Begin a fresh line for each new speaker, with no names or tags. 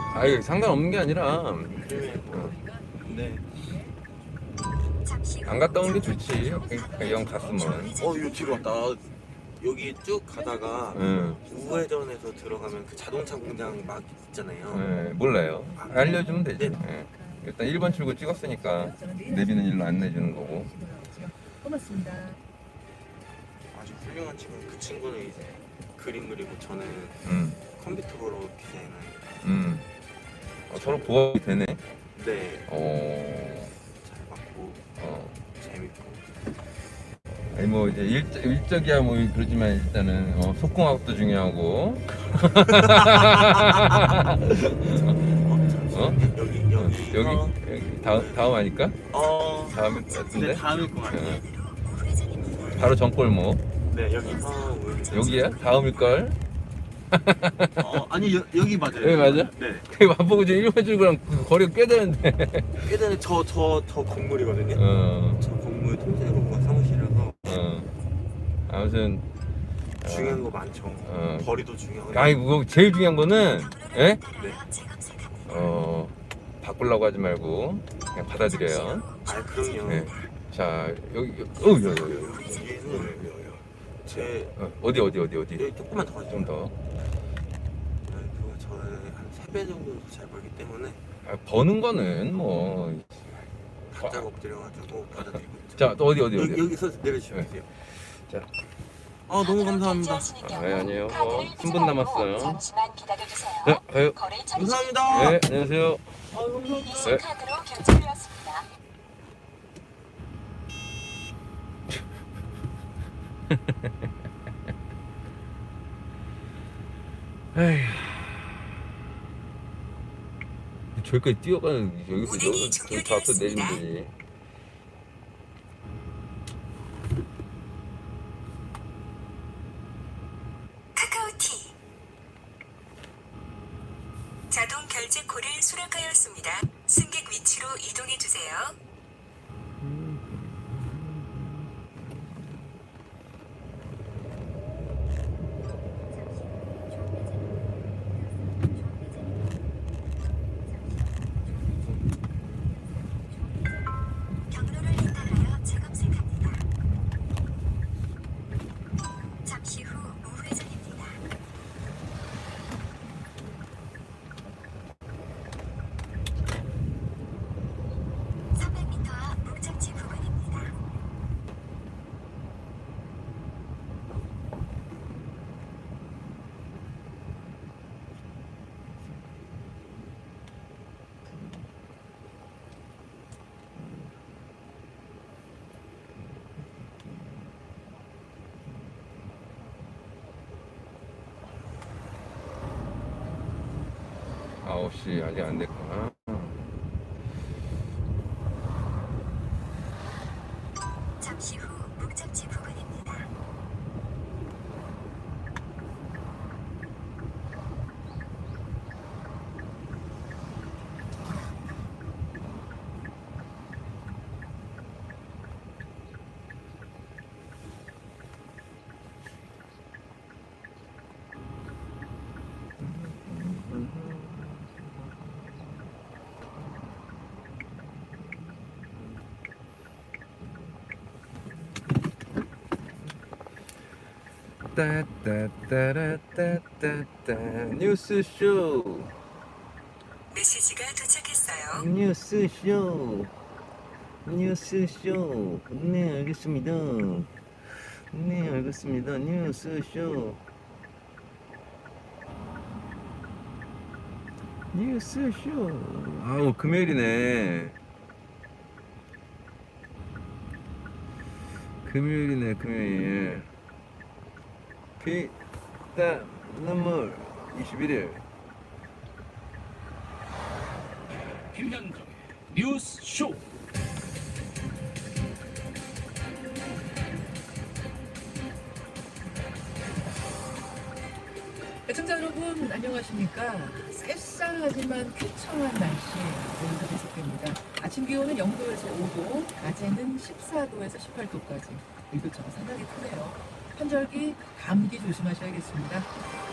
아이 상관없는 게 아니라
네.
안 갔다 오는 게 좋지. 그러니까 영 갔으면.
이거 뒤로 왔다. 여기 쭉 가다가
응.
우회전에서 들어가면 그 자동차 공장 막 있잖아요.
네, 몰라요. 알려주면 되지.
네.
예. 일단 1번 출구 찍었으니까 내비는 일로 안 내주는 거고.
고맙습니다.
아주 훌륭한 친구. 그 친구는 이제 그림 그리고 저는
음,
컴퓨터로 디자인을.
음. 서로 부합이 되네.
네.
어,
잘 맞고 재밌고.
아니 뭐 이제 일적이야 뭐 그러지만 일단은 속궁합도 중요하고. 어?
여기
여기 다음 아닐까? 다음일 것 같은데.
네, 다음일 것 같아요.
바로 전골목.
네, 여기 우회전.
여기야? 다음일 걸.
아니 여기 맞아요.
여기 맞아?
네.
그 마포구 지금 1번 출구랑 그 거리가 꽤 되는데.
꽤 되는 저 건물이거든요. 저 건물 통째로가 사무실이라서
아무튼
중요한 거 많죠. 거리도 중요하고.
아니 그거 제일 중요한 거는 예?
네.
바꾸려고 하지 말고 그냥 받아들여요.
그럼요.
네. 자 여기 여기
여기는 제
어디
여기 조금만 더 가죠.
좀 더.
그거 저는 한 3배 정도 잘 벌기 때문에
버는 거는 뭐.
바짝 엎드려가지고 받아들이고 있죠.
자 또 어디
여기서 내려주시면 돼요.
자.
너무 감사합니다.
네, 아니에요. 10분 남았어요.
잠시만 기다려주세요.
네, 가요.
거래
감사합니다.
네, 안녕하세요.
이 카드로 결제되었습니다.
에휴. 저기까지 뛰어가는 여기서 저 앞에 내리면 되지.
카카오티 자동 결제 콜을 수락하였습니다. 승객 위치로 이동해 주세요. 경로를 따라여 재검색합니다. 잠시 후 우회전입니다. 300m 앞 목적지 부근입니다.
아홉 시 아직 안 됐구나.
잠시 후 목적지 부근입니다.
따따따라따따따 뉴스쇼.
메시지가 도착했어요.
뉴스쇼. 네, 알겠습니다. 뉴스쇼. 아우, 금요일이네. 금요일. 피땀 눈물 21일.
김현정의 뉴스쇼.
애청자 여러분 안녕하십니까. 쌀쌀하지만 쾌청한 날씨 오늘도 계속됩니다. 아침 기온은 0도에서 5도, 낮에는 14도에서 18도까지 일교차가 상당히 크네요. 환절기 감기 조심하셔야겠습니다.